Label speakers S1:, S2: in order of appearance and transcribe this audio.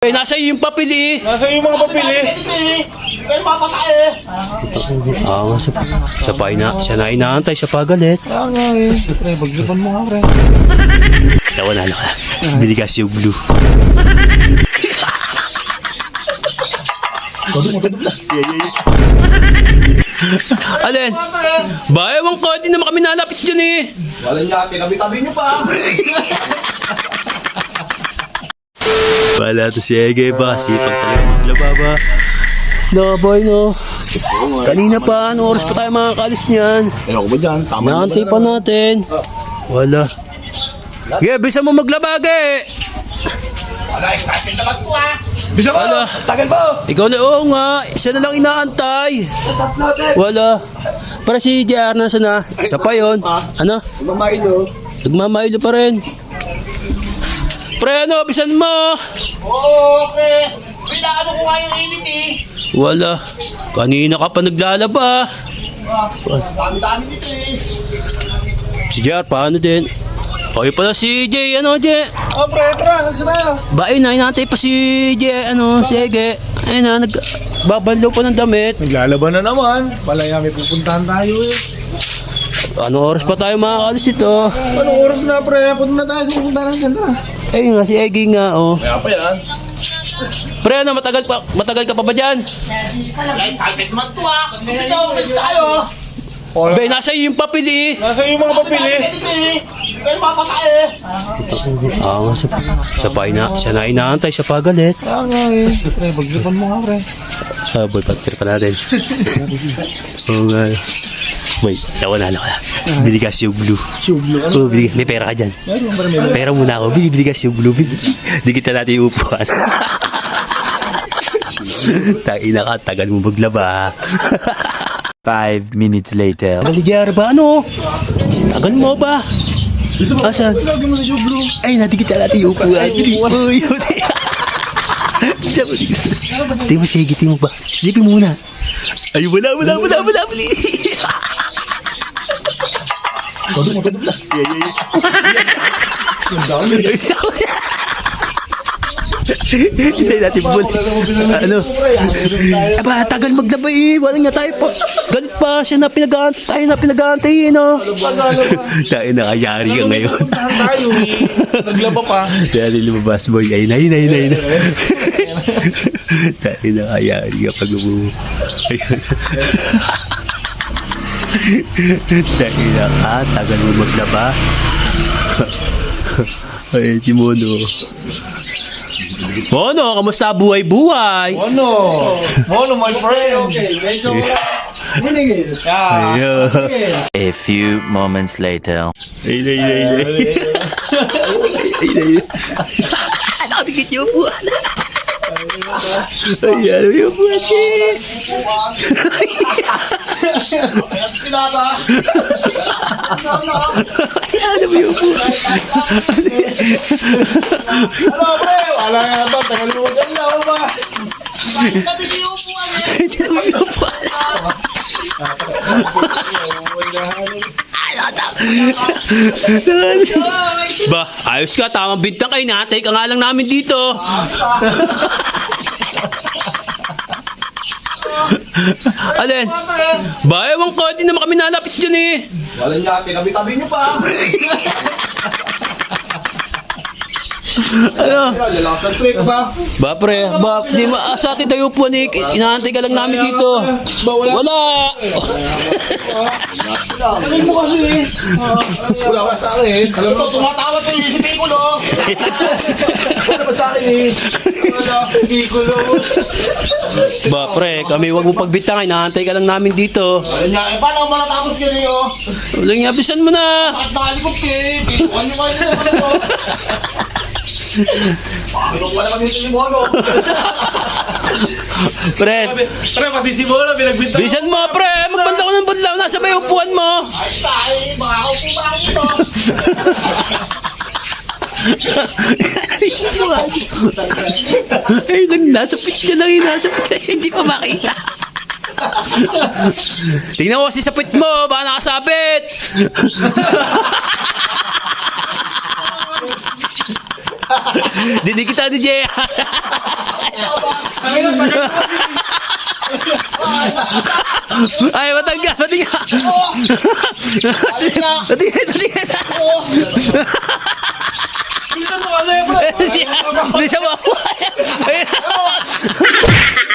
S1: Nasa iyo yung papel eh.
S2: Nasa yung mga papel eh. Hindi kayo papatay eh.
S1: Siya na inaantay, siya pagalit.
S2: nga eh. Pre, baglaban mo nga pre.
S1: Wala na ka. Binigas yung blue. Alin? Ba, ewan ko, hindi naman kami nalapit dyan eh.
S2: Walang yate, tabi-tabi nyo pa.
S1: Wala to si Ege ba? Sipag talaga maglaba ba? No boy no. Kanina pa, anong oras pa tayo makakalis niyan?
S2: Ayoko ba dyan? Tama
S1: Naantay pa natin. Wala. Ge, bisa mo maglaba, Ge.
S2: Wala, excited naman ko ah. Bisa mo?
S1: Wala.
S2: Tagal ba?
S1: Ikaw na, oo nga. Isa na lang inaantay. Wala. Para si JR nasa na. Isa pa yun. Ano?
S2: Mamailo.
S1: Nagmamailo pa rin. Pre, ano? Bisan mo.
S2: Oo, pre. Pinaano ko nga yung init eh.
S1: Wala. Kanina ka pa naglalaba.
S2: Dami-dami dito eh.
S1: Si JR, paano din? Okay pala si Jay, ano Jay?
S2: Oh, pre, tara, nagsa tayo.
S1: Ba, ayun na, inatay pa si Jay, si Ege. Ayun na, nagbabanlaw pa ng damit.
S2: Naglalaban na naman. Palaya may pupuntahan tayo eh.
S1: Ano oras pa tayo makakalis ito?
S2: Anong oras na pre? Punta na tayo sa pupuntahan na.
S1: Ayun nga, si Ege nga, oh.
S2: Kaya pa yan.
S1: Pre, ano, matagal ka pa ba dyan?
S2: Excited naman to ah. Ito, nagsa tayo.
S1: Be, nasa iyo yung papel eh.
S2: Nasa yung mga papel eh. Hindi kayo papatay eh.
S1: Siya na inaantay, siya pagalit.
S2: Kaya nga eh. Pre, baglaban mo nga pre.
S1: Boy, pagpir pa natin. Oo nga. Wait, wala na ka. Binigas yung blue. Oh, may pera ka dyan. Pera muna ako. Binigas yung blue. Di kita natin yung upuan. Taina ka, tagal mo maglaba.
S3: 5 minutes later.
S1: Tagal ba? Ano? Tagal mo ba? Asan? Ay, natikita natin yung upuan. Uy, tingin mo, sige, tingin mo ba? Silipin muna. Ay, wala. Hindi natin buwan. Ano? Aba, tagal maglaba eh. Wala nga tayo pa. Galit pa siya na pinag-aantay no? Tayo nakayari ka ngayon.
S2: Tayo eh. Naglaba pa.
S1: Kaya lumabas boy. Ay. Tayo nakayari ka pag umuwi. Tayo na tagal mo maglaba. Ay, si Mono. Mono, kamusta buhay-buhay?
S2: Mono, my friend. Okay, medyo winning.
S3: A few moments later.
S1: Ay. Nakadikit yung upuan. Ay, ano yung upuan eh? Ano mo yung upuan?
S2: Ano, pre? Wala nga ito. Tagalugan na ako ba?
S1: Hindi naman yung upuan. Ba, ayos ka, tamang bintang kayo. Natay ka nga lang namin dito. Alin? Ba, ewan ko, hindi naman kami nalapit dyan eh.
S2: Walang yate, tabi-tabi nyo pa.
S1: Ano?
S2: Lalakad trip ba?
S1: Ba, pre, di sa atin tayo po ni inaantay ka lang namin dito. Wala.
S2: Ano mo kasi eh? Wala ka sa akin eh. Alam mo, tumatawa to yung si Piccolo. Wala ba sa akin eh? Wala, Piccolo.
S1: Ba, pre, kami wag mo pagbitangay, inaantay ka lang namin dito.
S2: Kanya, paano malatapos ka rin oh?
S1: Wala nga, bisan mo na.
S2: Bakit nakalikot ka eh? Titukan nyo kayo naman ito. Pinong wala kami si Mono.
S1: Pre,
S2: Pati si Mono, pinagbintang.
S1: bisan mo, pre. Magbanda ko ng badlaw. Nasa ba yung upuan mo?
S2: Ay, tayo, makakaupo ba ako ito?
S1: Ay, nasa pit ka lang. Nasa pit ka. Hindi pa makita. Tingnan mo kasi sa pit mo. Baka nakasabit. Dinig kita ni Jay. Ay, matangga. Matingga. Matingga. Hindi siya makuha.